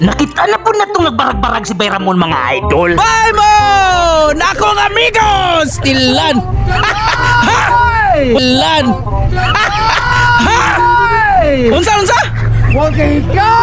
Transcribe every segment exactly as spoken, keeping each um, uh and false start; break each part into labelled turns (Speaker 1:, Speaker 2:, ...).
Speaker 1: Nakita na po na itong nagbarag-barag si Bayramon mga idol.
Speaker 2: Balmon! Akong amigos! Tilan! Tilan! Unsa, unsa?
Speaker 3: Okay ka!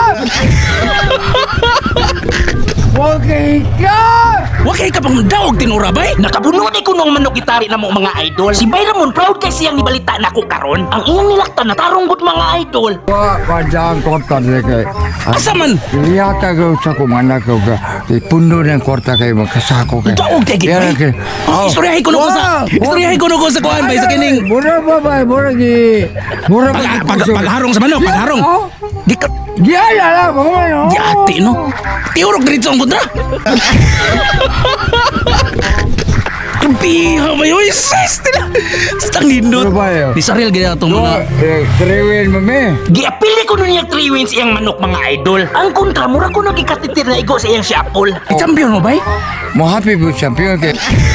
Speaker 3: Okay ka!
Speaker 2: Wakay ka pang daog tinura bay?
Speaker 1: Nakabunod ay kunong manok gitari na mo mga idol. Si Bayramon proud kay siyang nibalita na ko karon. Ang iyang nilaktan na tarong gud mga idol.
Speaker 3: Wa padang kota de kay.
Speaker 2: Asa man?
Speaker 3: Iyata ko sa kumana ko ka. Ipundo ng kwarta kay magkasako kay.
Speaker 2: Daog kay gid bay?
Speaker 3: Oh.
Speaker 2: Istoryahin ko no sa istoryahin ko no sa kuan bay sa kining
Speaker 3: Mura ba ba? Mura gi. Mura ba?
Speaker 2: pag, pag, pagharong sa manok, pagharong. Gikat
Speaker 3: Diyan na lang, mga ano?
Speaker 2: Yati no. Tiurok diretso ang kontra. Kampiha ba yun? Sis! Stang nindot.
Speaker 3: Ano ba yun?
Speaker 2: Di saril gaya itong mga...
Speaker 3: Eh, Triwin mami.
Speaker 1: Giapili ko nun yung three wins iyang manok mga idol. Ang kontra mura ko nagikatitir na igo sa iyang siapol.
Speaker 2: Champion mo bay?
Speaker 3: Mo happy po champion kay.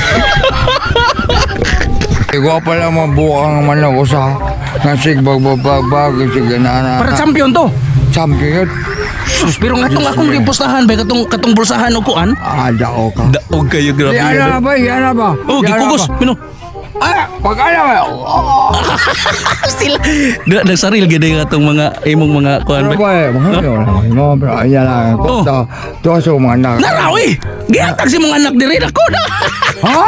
Speaker 3: Ikaw pa lang mabuang manok ko sa nasig bagbabag sig ganana.
Speaker 2: Para champion to.
Speaker 3: Champion.
Speaker 2: Sus, pero nga itong akong gipustahan bay, katong, katong bulsahan o kuan.
Speaker 3: Ah, dao ka.
Speaker 2: Daog kayo,
Speaker 3: Di ana ba? Di ana ba?
Speaker 2: Oh,
Speaker 3: Di ana
Speaker 2: gikugos.
Speaker 3: ba?
Speaker 2: Mino.
Speaker 3: Ah, pag ana ba?
Speaker 2: Sila. Da, nagsaril gid nga itong mga imong mga kuan
Speaker 3: Ano
Speaker 2: bay.
Speaker 3: ba? Mahal yun. Mo bro, ayan lang.
Speaker 2: Oh.
Speaker 3: Kota. Tuwa sa mga anak.
Speaker 2: Narawi! Gihatag si mga anak diri ako na.
Speaker 3: Ha?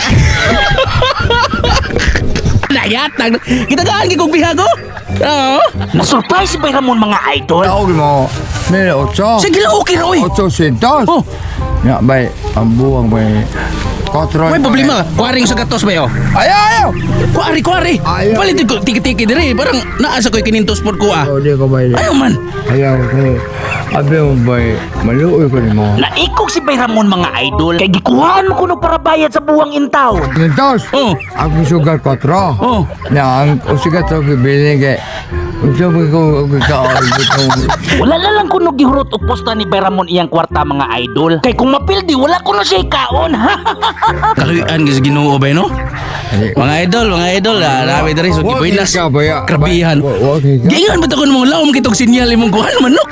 Speaker 2: Nayatag. Kita gaan gi kog bihago. Oo.
Speaker 1: Na-surprise si Bayramon mga idol.
Speaker 3: Tawag mo. May otso.
Speaker 2: Sige lang okay ra oy.
Speaker 3: Otso sintos.
Speaker 2: Oh,
Speaker 3: Ya, bay. Ang buwang bay. Kotro.
Speaker 2: may problema. Kuaring sa gatos ba yo?
Speaker 3: Ayaw, ayaw.
Speaker 2: Kuari, kuari.
Speaker 3: Ayaw.
Speaker 2: Palit ko tiki-tiki diri. Parang naasa ko'y kinintos por ko ah.
Speaker 3: Oh, di ko bay.
Speaker 2: Ayaw man.
Speaker 3: Ayaw ko. Abi mo bay. Maluoy ko ni mo.
Speaker 1: Naikog si Bayramon mga idol. Kay gikuhaan mo kuno para bayad sa buwang intaw.
Speaker 3: Sintos.
Speaker 2: Oh.
Speaker 3: Ako sugar kotro.
Speaker 2: Oh.
Speaker 3: Na ang usigat ko bibili kay. Unsa mo ko kaol ko.
Speaker 1: Wala na lang kuno gihurot og posta ni Bayramon iyang kwarta mga idol. Kay kung mapildi wala kuno siya kaon.
Speaker 2: Kaluyan gis Ginoo ba no? Mga idol, mga idol, ah, nabi diri so gibuilas.
Speaker 3: ka ba ya?
Speaker 2: Krabihan.
Speaker 3: Okay ka.
Speaker 2: Giingon ba to kun mga laom kitog sinyal imong kuhan manok?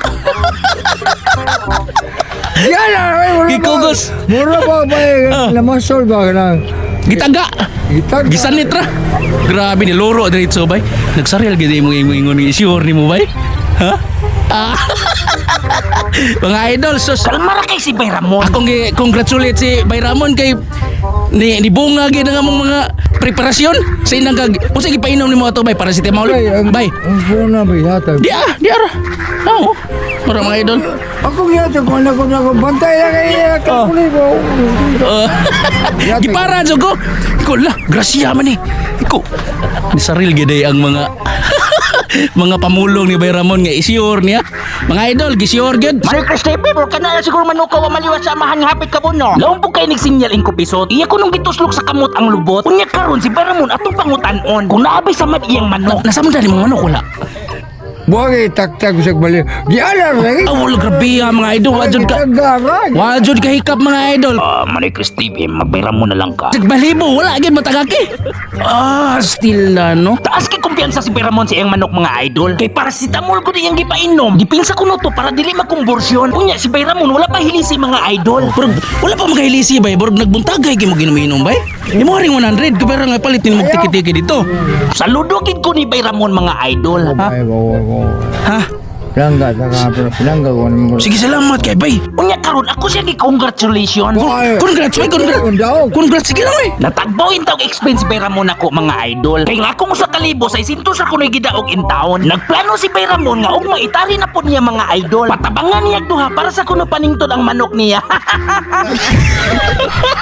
Speaker 3: Yan na.
Speaker 2: Gikugos.
Speaker 3: Mura ba bay?
Speaker 2: Ah.
Speaker 3: Namasol ba na?
Speaker 2: Gitaga.
Speaker 3: Gitag.
Speaker 2: Gisanit ra. Grabe ni loro diretso bay. Nagsaril gid imong imong ingon ni sure nimo bay. Ha? Ah. Mga idol, sus.
Speaker 1: Kalma ra kay si Bayramon.
Speaker 2: Akong gi congratulate si Bayramon kay ni ni bunga gid nga mong mga preparasyon sa inang kag usa gipainom nimo ato bay para si Timol. Bay.
Speaker 3: Ang puna ba yata?
Speaker 2: Di ah, di ara. Oo. Para mga idol.
Speaker 3: Ako yata ko na ko na ko bantay na kay kapuli ko.
Speaker 2: Uh, Gipara jud ko. Iko la, grasya man ni. Iko. Ni saril gid ay ang mga mga pamulong ni Bayramon nga isiyor niya. Mga idol, gisiyor gid.
Speaker 1: Sir Cristepe, bro, kana na siguro manukaw ang maliwas sa amahan nga hapit ka po, no? Laon po kayo nagsinyal in kupisot. Iya ko nung gituslok sa kamot ang lubot. Kunya karon si Bayramon atong pangutan-on. Kung naabay sa mad iyang manok.
Speaker 2: Nasa man dali mga manok wala.
Speaker 3: Buwag itaktak sa bali. Di alam lagi.
Speaker 2: Ah, wala grabe ah, mga idol. Wajud ka.
Speaker 3: Garag.
Speaker 2: Wajud ka hikap mga idol.
Speaker 1: Ah, Manay Cristepe, magbayramon na lang ka.
Speaker 2: Nagbalibo, wala gid matagaki. Ah, still na no.
Speaker 1: Taas kay kumpiyansa si Bayramon sa iyang manok mga idol. Kay paracetamol ko diyang gipainom. Gipinsa ko no to para dili makumbursyon. Kunya si Bayramon wala pa hilisi mga idol.
Speaker 2: Pero wala pa makahilisi bay, borog nagbuntagay kay mo ginuminom bay. Imo ring one hundred ka pero nga palit ni mo tiki-tiki dito.
Speaker 1: Saludo gid ko ni Bayramon mga idol.
Speaker 2: Ha?
Speaker 3: Ay, bawa ko.
Speaker 2: Ha?
Speaker 3: Langga, saka pero pinangga ko naman.
Speaker 2: Sige salamat kay bay.
Speaker 1: Kunya karon ako siya gi-congratulations.
Speaker 3: Ay.
Speaker 2: Congrats, bay, congrats.
Speaker 3: Congrats.
Speaker 2: Congrats sige lang eh.
Speaker 1: Natagbaw intawg expense Bayramon ako mga idol. Kay nga akong sa kalibo sa isintos ako na gidaog in town. Nagplano si Bayramon nga og maitari na po niya mga idol. Patabangan niya duha para sa kuno paningtod ang manok niya.